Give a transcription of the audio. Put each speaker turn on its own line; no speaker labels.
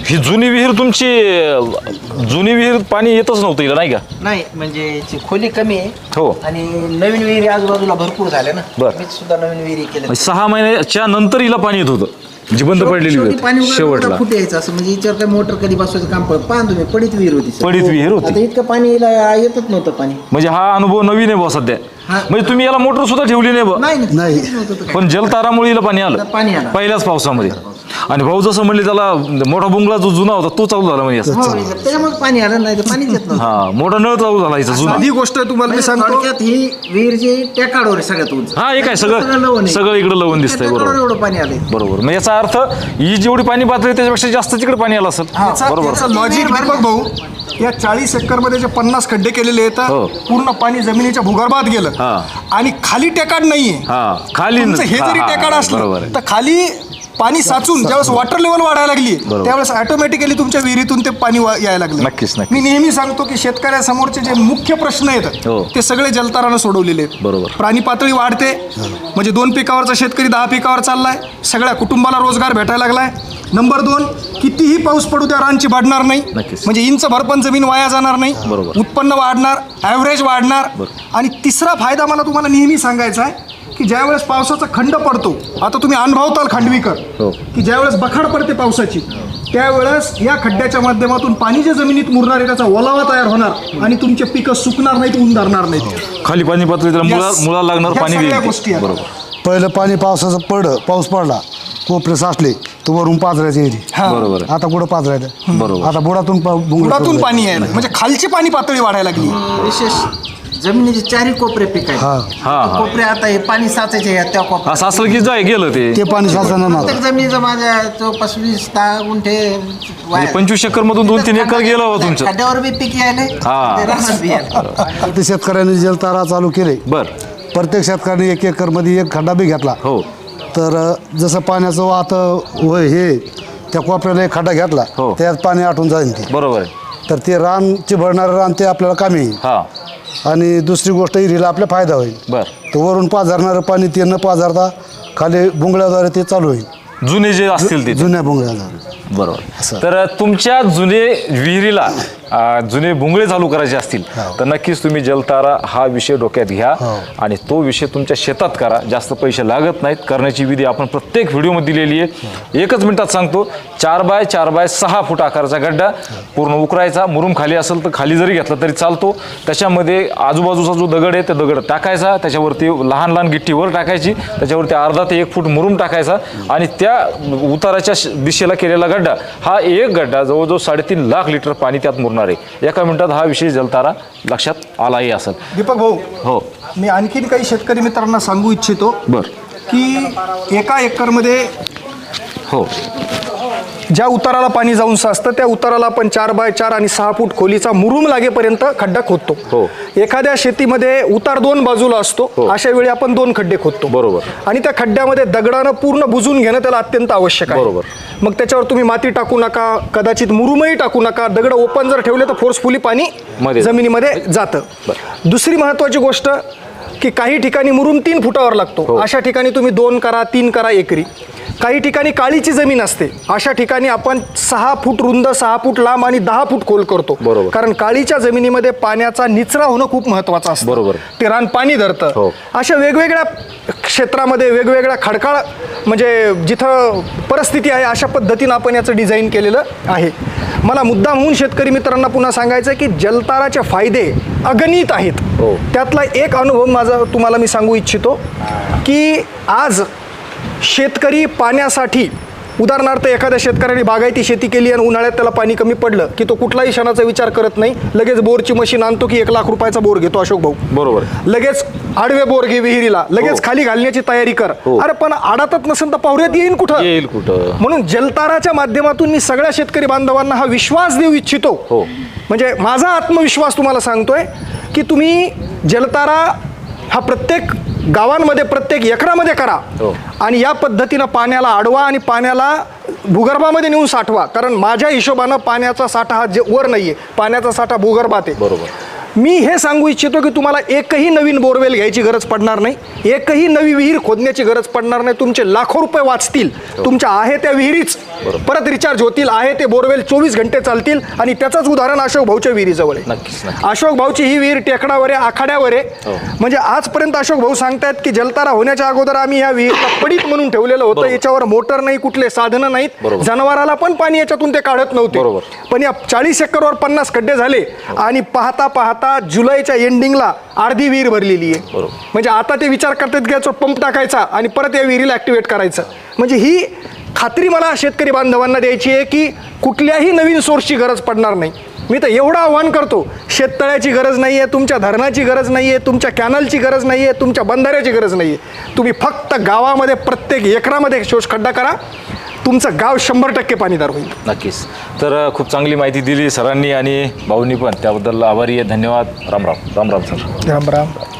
ही जुनी विहीर तुमची जुनी विहीर पाणी येतच नव्हतं हिला नाही का?
नाही म्हणजे याची खोली कमी आहे
हो.
आणि नवीन विहिरी आजूबाजूला भरपूर झाल्या ना.
बरं.
मी सुद्धा नवीन विहिरी केल्या.
6 महिन्याच्या नंतर हिला पाणी येत होतं, जी बंद पडलेली
शेवटी
विहीर
पाणी
शेवटला
फुट यायचं असं म्हणजे याच्यावर काय मोटर कधी बसवायचं काम पडत. पाहा तुम्ही पडीत विहीर होती सर.
पडीत विहीर होती.
आता इतकं पाणी यायला येतच नव्हतं पाणी.
म्हणजे हा अनुभव नवीन आहे बुवा सध्या.
हा.
म्हणजे तुम्ही याला मोटर सुद्धा ठेवली नाही बुवा.
नाही
नाही.
काहीच नव्हतं तर काय.
पण जलतारामुळे हिला पाणी आलं
पाणी आलं.
पहिल्याच पावसामध्ये. आणि भाऊ जसं म्हणले त्याला मोठा बुंगला जो जुना होता तो चालू झाला म्हणजे असं.
हो, त्याच्यामुळे पाणी आलं नाही तर पाणीच येत नव्हतं.
हा मोठा नळ चालू झाला हिचा जुना.
साधी गोष्ट तुम्हाला मी सांगतो.
थोडक्यात ही विहीर जी टेकाडवर आहे सगळ्यात उंच.
हा हे काय सगळं सगळं इकडे लवण दिसतंय.
टेकाडावर
बरोबर
एवढं पाणी आलंय.
बरोबर. मग याचा अर्थ ही जेवढी पाणी पातळी त्याच्यापेक्षा जास्त तिकडे पाणी आलं असेल. बरोबर.
याचं लॉजिक दीपक भाऊ, या 40 एकरमध्ये जे 50 खड्डे केलेले आहेत
हो.
पूर्ण पाणी जमिनीच्या भूगर्भात गेलं
हा.
आणि खाली टेकाड नाहीये.
हा खाली
तुमचं हे जरी
हा, हा,
टेकाड
बरोबर
असलं
आहे.
तर खाली पाणी साचून ज्यावेळेस वॉटर लेवल वाढायला लागली
बरोबर.
त्यावेळेस ऑटोमॅटिकली तुमच्या विहिरीतून ते पाणी यायला लागलं.
नक्कीच, नक्कीच.
मी नेहमी सांगतो की शेतकऱ्यासमोरचे जे मुख्य प्रश्न आहेत
हो.
ते सगळे जलतारानं सोडवलेले आहेत.
बरोबर.
प्राणी पातळी वाढते म्हणजे 2 पिकावरचा शेतकरी 10 पिकावर चाललाय. सगळ्या कुटुंबाला रोजगार भेटायला लागलाय. नंबर 2, कितीही पाऊस पडू त्या रानची वाढणार नाही.
नक्कीच.
म्हणजे इंच भर पण जमीन वाया जाणार नाही.
बरोबर.
उत्पन्न वाढणार, ॲव्हरेज वाढणार. आणि तिसरा फायदा मला तुम्हाला नेहमी सांगायचा आहे की ज्यावेळेस पावसाचा खंड पडतो, आता तुम्ही अनुभवताल खांडवीकर
हो.
की ज्यावेळेस बखाड पडते पावसाची त्यावेळेस या खड्ड्याच्या माध्यमातून पाणी जे जमिनीत मुरणार आहे त्याचा ओलावा तयार होणार आणि तुमचे पिकं सुकणार नाहीत, ऊन धरणार नाहीत.
खाली पाणी पातळी त्याला मुळा लागणार
ह्या
पाणी
सगळ्या
देईल.
गोष्टी आहेत.
बरोबर.
पहिलं पाणी पाऊस पडला, कोपरे साचले तर वरून पाजरायचे येते.
हा.
बरोबर आहे.
आता कुठं पाजरायचं?
बरोबर.
आता बुडातून
बुडातून पाणी यायला म्हणजे खालची पाणी पातळी वाढायला लागली.
विशेष जमिनीचे 4 कोपरे पीक आहे.
हा.
हा.
कोपरे आता हे पाणी साचायचे आहेत त्या कोपऱ्यात.
असं असलं की जाय गेलं ते.
ते पाणी साचणार ना.
प्रत्येक जमिनीचं माझ्या जवळपास 20-10 गुंठे
म्हणजे 25 एकर मधून 2-3 एकर गेलं हो तुमचं.
खड्ड्यावर बी पीक यायले,
हा.
ते रानात बी यायले.
ते शेतकऱ्यांनी जलतारा चालू केले.
बर.
प्रत्येक शेतकऱ्याने 1 एकरमध्ये 1 खड्डा बी घेतला.
हो.
तर जसं पाण्याचं वाहत हे त्या कोपऱ्याला 1 खड्डा घेतला
हो.
त्यात पाणी आटून जाईल ते.
बरोबर आहे.
तर ते रानचे भरणारं रान ते आपल्याला कामी येईल.
हा.
आणि दुसरी गोष्ट हिरीला आपला फायदा होईल.
बर.
तर वरून पाझरणारं पाणी ते न पाझरता खाली बुंगळ्याद्वारे ते चालू होईल,
जुने जे असतील ते.
जुन्या बुंगळ्याद्वारे.
बरोबर. तर तुमच्या जुने विहिरीला जुने बुंगळे चालू करायचे असतील तर नक्कीच तुम्ही जलतारा हा विषय डोक्यात घ्या आणि तो विषय तुमच्या शेतात करा. जास्त पैसे लागत नाहीत. करण्याची विधी आपण प्रत्येक व्हिडिओमध्ये दिलेली आहे. 1 मिनिटात सांगतो. 4x4x6 फूट आकाराचा गड्डा पूर्ण उकरायचा. मुरुम खाली असेल तर खाली जरी घेतला तरी चालतो. त्याच्यामध्ये आजूबाजूचा जो दगड आहे ते दगड टाकायचा. त्याच्यावरती लहान लहान गिट्टी वर टाकायची. त्याच्यावरती अर्धा ते 1 फूट मुरुम टाकायचा आणि त्या उताराच्या दिशेला केलेला गड्डा हा एक गड्डा जवळजवळ 3.5 लाख लिटर पाणी त्यात मुरणार आहे. 1 मिनिटात हा विषय जलतारा लक्षात आलाही असेल.
दीपक भाऊ,
हो.
मी आणखीन काही शेतकरी मित्रांना सांगू इच्छितो
बर.
की 1 एकरमध्ये
हो.
ज्या उताराला पाणी जाऊन साचतं त्या उताराला आपण 4x4 आणि 6 फूट खोलीचा मुरुम लागेपर्यंत खड्डा खोदतो.
हो.
एखाद्या शेतीमध्ये उतार 2 बाजूला असतो.
हो.
अशा वेळी आपण 2 खड्डे खोदतो.
बरोबर.
आणि त्या खड्ड्यामध्ये दगडानं पूर्ण बुजून घेणं त्याला अत्यंत आवश्यक आहे.
बरोबर.
मग त्याच्यावर तुम्ही माती टाकू नका, कदाचित मुरुमही टाकू नका. दगड ओपन जर ठेवले तर फोर्सफुली पाणी
मध्ये
जमिनीमध्ये जातं. दुसरी महत्त्वाची गोष्ट की काही ठिकाणी मुरुम 3 फुटावर लागतो.
हो.
अशा ठिकाणी तुम्ही 2 करा, 3 करा एकरी. काही ठिकाणी काळीची जमीन असते. अशा ठिकाणी आपण 6 फूट रुंद, 6 फूट लांब आणि 10 फूट खोल करतो.
बरोबर.
कारण काळीच्या जमिनीमध्ये पाण्याचा निचरा होणं खूप महत्त्वाचं असतं.
बरोबर.
ते रान पाणी धरतं.
हो.
अशा वेगवेगळ्या क्षेत्रामध्ये वेगवेगळ्या खडकाळ म्हणजे जिथं परिस्थिती आहे अशा पद्धतीनं आपण याचं डिझाईन केलेलं आहे. मला मुद्दाम होऊन शेतकरी मित्रांना पुन्हा सांगायचं आहे की जलताराचे फायदे अगणित आहेत.
हो.
त्यातला एक अनुभव माझा तुम्हाला मी सांगू इच्छितो की आज शेतकरी पाण्यासाठी उदाहरणार्थ एखाद्या शेतकऱ्याने बागायती शेती केली आणि उन्हाळ्यात त्याला पाणी कमी पडलं की तो कुठलाही क्षणाचा विचार करत नाही. लगेच बोरची मशीन आणतो की 1 लाख रुपयाचा बोर घेतो अशोक भाऊ.
बरोबर.
लगेच आडवे बोर घे विहिरीला, लगेच खाली घालण्याची तयारी कर. अरे पण आडातच नसेल तर पावऱ्यात येईल कुठं? म्हणून जलताराच्या माध्यमातून मी सगळ्या शेतकरी बांधवांना हा विश्वास देऊ इच्छितो. म्हणजे माझा आत्मविश्वास तुम्हाला सांगतोय की तुम्ही जलतारा हा प्रत्येक गावांमध्ये प्रत्येक एकरामध्ये करा आणि या पद्धतीनं पाण्याला अडवा आणि पाण्याला भूगर्भामध्ये नेऊन साठवा. कारण माझ्या हिशोबानं पाण्याचा साठा हा वर नाहीये, पाण्याचा साठा भूगर्भात आहे.
बरोबर.
मी हे सांगू इच्छितो की तुम्हाला एकही नवीन बोरवेल घ्यायची गरज पडणार नाही, एकही नवी विहीर खोदण्याची गरज पडणार नाही. तुमचे लाखो रुपये वाचतील. तुमच्या आहे त्या विहिरीच परत रिचार्ज होतील, आहे ते बोरवेल 24 घंटे चालतील. आणि त्याचंच उदाहरण अशोक भाऊच्या विहिरीजवळ आहे.
नक्कीच.
अशोक भाऊची ही विहीर टेकडावर आहे, आखाड्यावर आहे. म्हणजे आजपर्यंत अशोक भाऊ सांगतायत की जलतारा होण्याच्या अगोदर आम्ही या विहीरला पडीत म्हणून ठेवलेलं होतं. याच्यावर मोटर नाही, कुठले साधनं नाहीत, जनावराला पण पाणी याच्यातून ते काढत नव्हते. पण या 40 एकरवर 50 खड्डे झाले आणि पाहता पाहता जुलैच्या एंडिंगला अर्धी विहीर भरलेली आहे. म्हणजे आता ते विचार करतात की याचा पंप टाकायचा आणि परत या विहिरीला ऍक्टिव्हेट करायचं. म्हणजे ही खात्री मला शेतकरी बांधवांना द्यायची आहे की कुठल्याही नवीन सोर्सची गरज पडणार नाही. मी तर एवढं आव्हान करतो, शेततळ्याची गरज नाही आहे, तुमच्या धरणाची गरज नाही आहे, तुमच्या कॅनलची गरज नाही आहे, तुमच्या बंधाऱ्याची गरज नाही आहे. तुम्ही फक्त गावामध्ये प्रत्येक एकरामध्ये शोषखड्डा करा, तुमचं गाव 100% पाणीदार होईल.
नक्कीच. तर खूप चांगली माहिती दिली सरांनी आणि भाऊंनी पण, त्याबद्दल आभारी आहे. धन्यवाद. राम राम. राम राम सर.
राम राम.